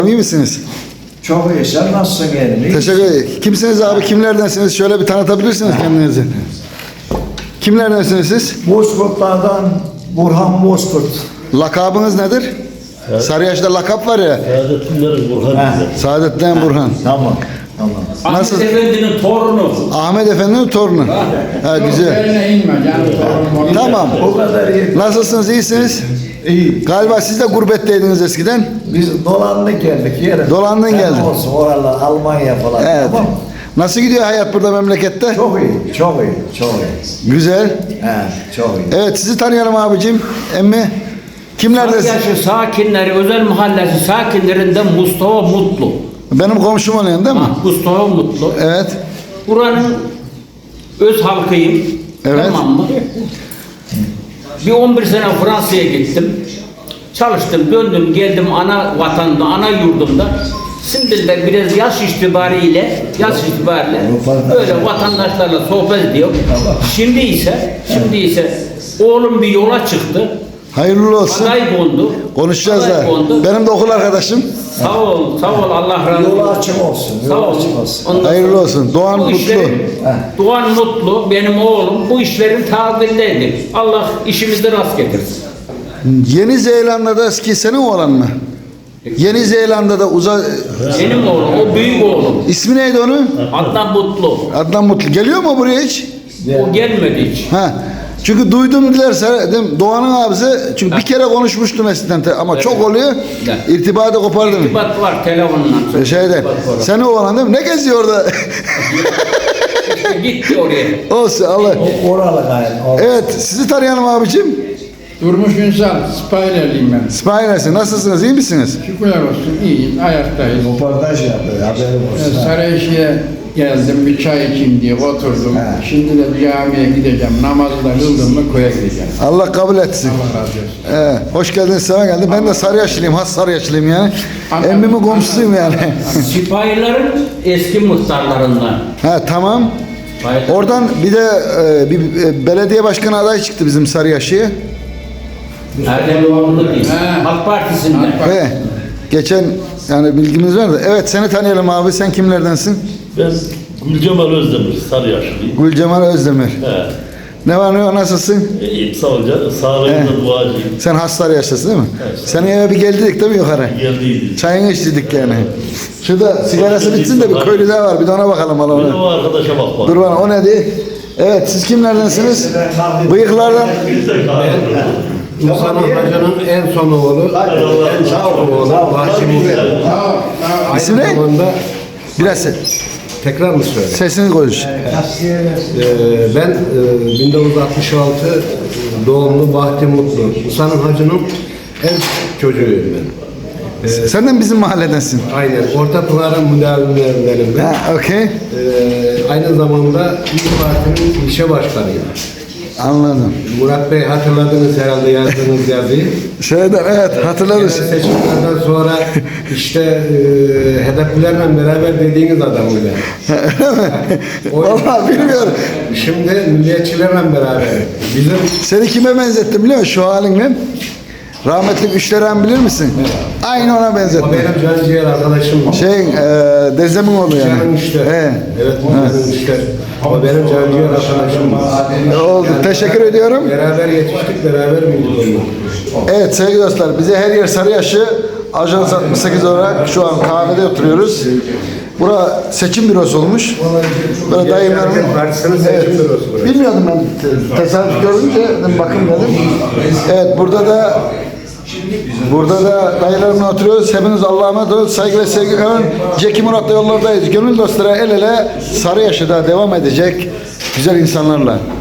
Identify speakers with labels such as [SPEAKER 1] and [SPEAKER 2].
[SPEAKER 1] İyi misiniz?
[SPEAKER 2] Çok iyi. Sen nasılsın yeğenim?
[SPEAKER 1] Teşekkür ederim. Kimsiniz abi? Kimlerdensiniz? Şöyle bir tanıtabilirsiniz kendinizi. Kimlerdensiniz siz?
[SPEAKER 2] Bozkurtlardan Burhan Bozkurt.
[SPEAKER 1] Lakabınız nedir? Evet. Sarıyaş'ta lakap var ya.
[SPEAKER 3] Saadettinlerin Burhan bize.
[SPEAKER 1] Saadettin Burhan.
[SPEAKER 2] Tamam. Tamam.
[SPEAKER 1] Nasıl?
[SPEAKER 4] Ahmet Efendi'nin torunu.
[SPEAKER 1] Ahmet Efendi'nin torunu. Ha, güzel. Tamam.
[SPEAKER 2] O kadar iyi.
[SPEAKER 1] Nasılsınız? İyisiniz?
[SPEAKER 2] İyi.
[SPEAKER 1] Galiba siz de gurbetteydiniz eskiden.
[SPEAKER 2] Biz dolandık geldik yere.
[SPEAKER 1] Dolandın geldin.
[SPEAKER 2] Olsun oralar Almanya falan.
[SPEAKER 1] Evet.
[SPEAKER 2] Tamam.
[SPEAKER 1] Nasıl gidiyor hayat burada memlekette?
[SPEAKER 2] Çok iyi. Çok iyi. Çok iyi.
[SPEAKER 1] Güzel.
[SPEAKER 2] He, çok iyi.
[SPEAKER 1] Evet, sizi tanıyalım abicim. Emmi. Kimlerdesin?
[SPEAKER 4] Sarıyaşı sakinleri, özel mahallesi sakinlerinden Mustafa Mutlu.
[SPEAKER 1] Benim komşum oluyorsun değil mi?
[SPEAKER 4] Mustafa Mutlu.
[SPEAKER 1] Evet.
[SPEAKER 4] Buranın öz halkıyım.
[SPEAKER 1] Evet.
[SPEAKER 4] Tamam mı? Bir 11 sene Fransa'ya gittim. Çalıştım, döndüm, geldim ana vatanda, ana yurdumda. Şimdi de biraz yaş itibariyle böyle vatandaşlarla sohbet ediyorum. Şimdi ise oğlum bir yola çıktı.
[SPEAKER 1] Hayırlı olsun.
[SPEAKER 4] Aday kondu.
[SPEAKER 1] Konuşacağız
[SPEAKER 4] Aday
[SPEAKER 1] da.
[SPEAKER 4] kondu.
[SPEAKER 1] Benim de okul arkadaşım.
[SPEAKER 4] Sağ ol, Allah razı olsun.
[SPEAKER 2] Yolu açık olsun.
[SPEAKER 4] Sağ
[SPEAKER 2] Yolu
[SPEAKER 4] ol.
[SPEAKER 2] açık olsun.
[SPEAKER 4] Ondan
[SPEAKER 1] Hayırlı
[SPEAKER 4] sonra
[SPEAKER 1] olsun. Doğan
[SPEAKER 4] bu
[SPEAKER 1] Mutlu.
[SPEAKER 4] Doğan Mutlu, benim oğlum bu işlerin tabirindeydi. Allah işimizi rast getirsin.
[SPEAKER 1] Yeni Zelanda'da eski senin oğlan mı? Yeni Zelanda'da
[SPEAKER 4] Benim oğlum, o büyük oğlum.
[SPEAKER 1] ismi neydi onun?
[SPEAKER 4] Adnan Mutlu.
[SPEAKER 1] Adnan Mutlu. Geliyor mu buraya hiç?
[SPEAKER 4] O gelmedi hiç.
[SPEAKER 1] Ha. Çünkü duydum dilerse Doğan'ın abisi çünkü bir kere konuşmuştum eskiden ama çok oluyor.
[SPEAKER 4] Evet.
[SPEAKER 1] İrtibatı kopardım.
[SPEAKER 4] İrtibat var telefonla.
[SPEAKER 1] Şeyde. Senin oğlan değil mi? Ne geziyor orada?
[SPEAKER 4] İşte gitti oraya.
[SPEAKER 1] Olsun Allah.
[SPEAKER 2] Oralı gayet.
[SPEAKER 1] Evet, sizi tanıyalım abicim.
[SPEAKER 5] Durmuş Ünsal, Spider'liyim ben.
[SPEAKER 1] Spiner'sin. Nasılsınız? İyi misiniz?
[SPEAKER 5] Şükürler olsun, iyiyiz, ayaktayız.
[SPEAKER 2] Röportaj yapıyor. Haberim olsun.
[SPEAKER 5] Sarayşı'ya geldim, bir çay içeyim diye oturdum.
[SPEAKER 2] He.
[SPEAKER 5] Şimdi de camiye gideceğim, namazı da kıldım mı koya gideceğim.
[SPEAKER 1] Allah kabul etsin.
[SPEAKER 5] Allah razı olsun.
[SPEAKER 1] Hoş geldiniz, selam geldi. Ben de Sarıyaşlıyım, has Sarıyaşlıyım yani.
[SPEAKER 5] Anladım.
[SPEAKER 1] Emmimin komşusuyum yani.
[SPEAKER 4] Sipahilerin eski muhtarlarından.
[SPEAKER 1] Ha tamam. Oradan bir de bir belediye başkanı adayı çıktı bizim Sarıyaşı'ya.
[SPEAKER 4] Erdem Doğanlı değil.
[SPEAKER 5] He.
[SPEAKER 4] Halk Partisi'nden.
[SPEAKER 1] Ve geçen yani bilgimiz var da. Evet seni tanıyalım abi. Sen kimlerdensin?
[SPEAKER 3] Ben Gülcemal Özdemir, Sarıyaşlıyım.
[SPEAKER 1] Gülcemal Özdemir.
[SPEAKER 3] He.
[SPEAKER 1] Ne var ne yok nasılsın?
[SPEAKER 3] İyiyim, sağ ol canım. Sağlığınıza duacıyım.
[SPEAKER 1] Sen has Sarıyaşlısın değil mi?
[SPEAKER 3] Evet.
[SPEAKER 1] Senin eve bir geldik değil mi yukarı?
[SPEAKER 3] Geldiydi.
[SPEAKER 1] Çayını içtik yani. Şurada sigarası bitsin de bir köylü daha var. Bir de ona bakalım
[SPEAKER 3] Bir de
[SPEAKER 1] ona.
[SPEAKER 3] o arkadaşa bak bak.
[SPEAKER 1] Dur bana o ne diye? Evet siz kimlerdensiniz? Bıyıklardan.
[SPEAKER 6] Mustafa Hoca'nın en son oğlu, en sağ oğlu Bahçe Muhtar.
[SPEAKER 1] İsim ne?
[SPEAKER 6] Aynı zamanda
[SPEAKER 1] Biraz
[SPEAKER 6] tekrar mı söyle?
[SPEAKER 1] sesini konuş.
[SPEAKER 6] Ben 1966 doğumlu Bahçe Mutlu. Musa'nın Hacı'nın en çocuğuyum ben.
[SPEAKER 1] Sen de bizim mahalledensin.
[SPEAKER 6] Aynen. Orta Pınar'ın müdavimlerindenim ben.
[SPEAKER 1] Ha, okey.
[SPEAKER 6] Aynı zamanda İYİ Parti'nin ilçe başkanıyım.
[SPEAKER 1] Anladım.
[SPEAKER 6] Murat Bey hatırladınız herhalde yazdığınız yazıyı.
[SPEAKER 1] Şeyden evet hatırlarız.
[SPEAKER 6] Seçimlerden sonra işte hedeflerle beraber dediğiniz adam öyle.
[SPEAKER 1] Vallahi bilmiyorum.
[SPEAKER 6] Şimdi milliyetçilerle beraber bizim
[SPEAKER 1] Seni kime benzettim biliyor musun şu halinle? Rahmetli Üçleren bilir misin? Aynı ona
[SPEAKER 6] o
[SPEAKER 1] benzettim.
[SPEAKER 6] benim canciğer arkadaşım.
[SPEAKER 1] Dezemin oğlu yani.
[SPEAKER 6] Canım işte.
[SPEAKER 1] He.
[SPEAKER 6] Evet, canım işte. O benim canciğer arkadaşım.
[SPEAKER 1] Oldu. Teşekkür ediyorum.
[SPEAKER 6] Beraber yetiştik, beraber büyüdük.
[SPEAKER 1] Evet sevgili dostlar bize her yer Sarıyaşı Ajans 68 olarak şu an kahvede oturuyoruz. Bura seçim bürosu olmuş. Böyle dayımlarımın...
[SPEAKER 6] Partisinin seçim bürosu burası.
[SPEAKER 1] Bilmiyordum ben. Tesadüf görünce dedim bakın dedim. Evet burada da dayılarımla oturuyoruz. Hepiniz Allah'a emanet olun. Saygı ve sevgi. Ceki Murat'la yollardayız. Gönül dostlara el ele Sarıyaşı'da devam edecek güzel insanlarla.